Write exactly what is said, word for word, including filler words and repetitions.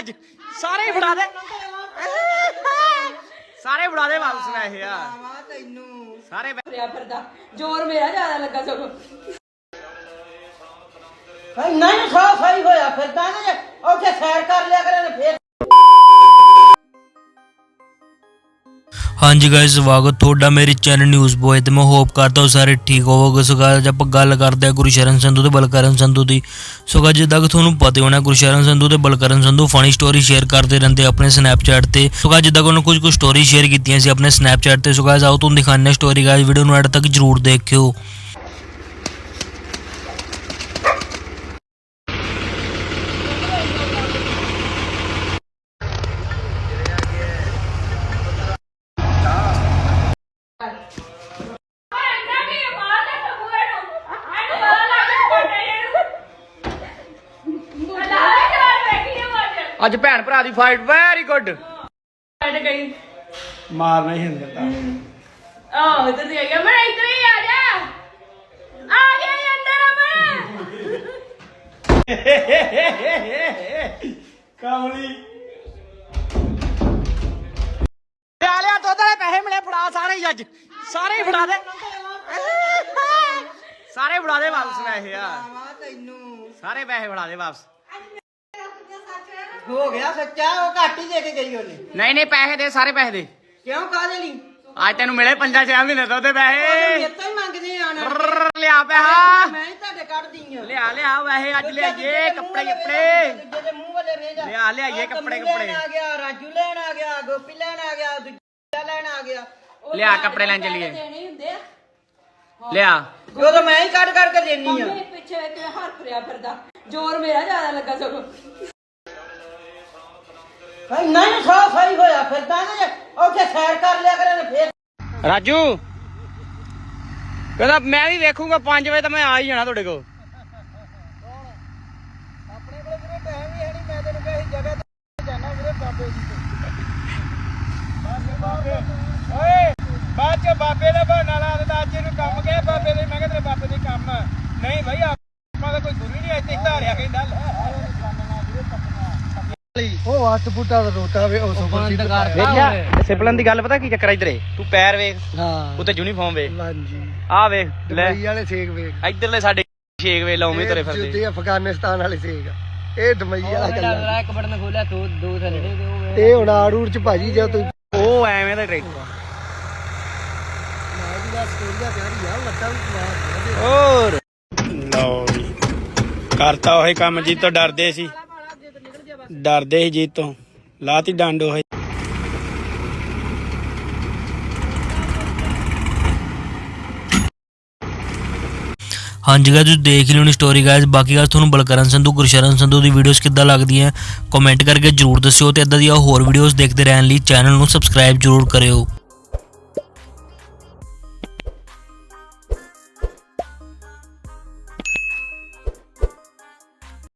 ਅੱਜ ਸਾਰੇ ਹੀ ਫੜਾ ਦੇ ਸਾਰੇ ਫੜਾ ਦੇ ਵਾਪਸ ਲੈ ਇਹ ਆ ਤੈਨੂੰ ਸਾਰੇ ਫਿਰਿਆ ਫਿਰਦਾ ਜ਼ੋਰ ਮੇਰਾ ਜ਼ਿਆਦਾ ਲੱਗਾ ਸਗੋਂ ਨਹੀਂ ਖਾ ਸਹੀ ਹੋਇਆ ਫਿਰਦਾ ਨਾ ਜੇ ਉੱਥੇ ਸੈਰ ਕਰ ਲਿਆ ਕਰੇ ਫੇਰ। हाँ जी गाइस स्वागत थोड़ा मेरे चैनल न्यूज़ बॉय तो मैं होप करता हूँ सारे ठीक होवोगे। सो गाइस आप गल करते हैं गुरशरण संधू ते बलकरण संधू की। सो गाइस जिद्दां कि तुहानूं पता होना गुरशरण संधू ते Balkaran Sandhu funny story share करते रहते अपने स्नैपचैट ते। सो गाइस जिद्दां कि उन्होंने कुछ कुछ स्टोरी शेयर कीतियां सी अपने स्नैपचैट ते। सो गाइस आओ तुहानूं दिखाने स्टोरी गाइस वीडियो नूं एंड तक जरूर देखियो। ਅੱਜ ਭੈਣ ਭਰਾ ਦੀ ਫਾਈਟ ਵੈਰੀ ਗੁੱਡ ਛੱਡ ਗਈ ਮਾਰਨਾ ਹੀ ਹੁੰਦਾ ਤਾਂ ਆਹ ਉਧਰ ਦੀ ਆ ਗਿਆ ਮੈਂ ਇੱਧਰ ਹੀ ਆ ਜਾ ਆ ਗਿਆ ਅੰਦਰ ਅਮਨ ਕਾਮਲੀ ਲਿਆ ਲਿਆ ਦੁੱਧ ਵਾਲੇ ਪੈਸੇ ਮਿਲੇ ਫੜਾ ਸਾਰੇ ਹੀ ਅੱਜ ਸਾਰੇ ਹੀ ਫੜਾ ਦੇ ਸਾਰੇ ਫੜਾ ਦੇ ਵਾਪਸ ਲੈ ਇਹ ਆ ਤੈਨੂੰ ਸਾਰੇ ਪੈਸੇ ਫੜਾ ਦੇ ਵਾਪਸ ਹੋ ਗਿਆ ਸੱਚਾ ਉਹ ਘੱਟ ਹੀ ਦੇ ਕੇ ਗਈ ਉਹਨੇ। ਨਹੀਂ ਨਹੀਂ ਪੈਸੇ ਦੇ ਸਾਰੇ ਪੈਸੇ ਦੇ ਕਿਉਂ ਕਾਹਦੇ ਲਈ ਅੱਜ ਤੈਨੂੰ ਮਿਲੇ ਪੰਜਾਂ ਛੇ ਮਹੀਨੇ ਤੋਂ ਉਹਦੇ ਪੈਸੇ ਮੇਰੇ ਤੋਂ ਹੀ ਮੰਗਦੇ ਆਣ ਲਿਆ ਪੈਸਾ ਮੈਂ ਹੀ ਤੁਹਾਡੇ ਕੱਢਦੀ ਆ। ਲਿਆ ਲਿਆ ਵੈਸੇ ਅੱਜ ਲਿਆਈਏ ਕੱਪੜੇ ਕੱਪੜੇ ਦੂਜੇ ਦੇ ਮੂੰਹ ਵਾਲੇ ਵੇਖ ਜਾ। ਲਿਆ ਲਿਆਈਏ ਕੱਪੜੇ ਲੈਣ ਕੱਪੜੇ ਆ ਗਿਆ ਰਾਜੂ ਲੈਣ ਆ ਗਿਆ ਗੋਪੀ ਲੈਣ ਆ ਗਿਆ ਦੂਜਾ ਲੈਣ ਆ ਗਿਆ। ਲਿਆ ਕੱਪੜੇ ਲੈਣ ਚੱਲੀਏ ਦੇਣੇ ਹੁੰਦੇ ਆ ਲਿਆ ਉਦੋਂ ਮੈਂ ਹੀ ਕੱਢ ਕੱਢ ਕੇ ਦੇਣੀ ਆ। ਮੰਮੀ ਪਿੱਛੇ ਵੇਖ ਕੇ ਹਰ ਫਿਰਿਆ ਫਿਰਦਾ ਜ਼ੋਰ ਮੇਰਾ ਜ਼ਿਆਦਾ ਲੱਗਾ ਸਗੋਂ ਨਹੀਂ ਖਾ ਸਹੀ ਹੋਇਆ ਫਿਰਦਾ ਨਾ ਜੇ ਉੱਥੇ ਸੈਰ ਕਰ ਲਿਆ ਕਰੇ ਫੇਰ। ਰਾਜੂ ਕਹਿੰਦਾ ਮੈਂ ਵੀ ਵੇਖੂਗਾ ਪੰਜ ਵਜੇ ਤਾਂ ਮੈਂ ਆ ਹੀ ਜਾਣਾ ਤੁਹਾਡੇ ਕੋਲ ਆਪਣੇ ਕੋਲ ਵੀਰੇ ਟਾਈਮ ਹੀ ਹੈ ਨਹੀਂ। ਮੈਂ ਤੈਨੂੰ ਕਹੀ ਜਗ੍ਹਾ ਤੇ ਜਾਣਾ ਵੀਰੇ ਬਾਬੇ ਦੀ ਬਾਬੇ ਓਏ ਬਾਅਦ ਚ ਬਾਬੇ ਦਾ ਬਹਾਨਾ ਲਾ ਦਿੰਦਾ ਅੱਜ ਇਹਨੂੰ ਕੰਮ ਗਿਆ ਬਾਬੇ ਦੇ। ਮੈਂ ਕਿਹਾ ਤੇਰੇ ਬਾਬੇ ਦੇ ਕੰਮ ਨਹੀਂ ਭਾਈ ਆਪਾਂ ਦਾ ਕੋਈ ਗੁਰੂ ਨਹੀਂ ਇੱਥੇ ਧਾਰਿਆ ਕਹਿੰਦਾ ਉਹ ਅੱਠ ਫੁੱਟਾ ਦਾ ਰੋਟਾ ਵੇ ਉਸ ਵੇਖਿਆ ਸਿਪਲਨ ਦੀ ਗੱਲ ਪਤਾ ਕੀ ਚੱਕਰ ਇਧਰੇ ਤੂੰ ਪੈਰ ਵੇਖ ਹਾਂ ਉੱਤੇ ਯੂਨੀਫਾਰਮ ਵੇਖ ਹਾਂਜੀ ਆ ਵੇਖ ਲੈ ਦੁਬਈ ਵਾਲੇ ਸੇਕ ਵੇਖ ਇਧਰਲੇ ਸਾਡੇ ਛੇਕ ਵੇ ਲਾਉਵੇਂ ਤੁਰੇ ਫਿਰਦੇ ਜਿੱਦੇ ਅਫਗਾਨਿਸਤਾਨ ਵਾਲੇ ਸੇਕ ਇਹ ਦੁਬਈ ਵਾਲਾ ਚੱਲਦਾ। ਇੱਕ ਬਟਨ ਖੋਲਿਆ ਦੋ ਦੋ ਥੱਲੇ ਇਹ ਹੁਣ ਆੜੂੜ ਚ ਭਾਜੀ ਜੇ ਤੂੰ ਉਹ ਐਵੇਂ ਦਾ ਟਰੈਕਟਰ ਹੋਰ ਲਓ ਜੀ ਕਰਤਾ ਉਹ ਕੰਮ ਜੀ ਤੋਂ ਡਰਦੇ ਸੀ ਡਰਦੇ ਸੀ ਜੀ ਤੋਂ ਲਾਤੀ ਡੰਡ ਉਹ हाँ जी गाइस देख ली स्टोरी गाइस। बाकी गाइस तुहानूं बलकरण संधू गुरशरण संधू की वीडियोस किद्दां लगदियां कमेंट करके जरूर दस्सिओ ते इदां दी होर वीडियोस देखते रहने लई चैनल नूं सबसक्राइब जरूर करियो।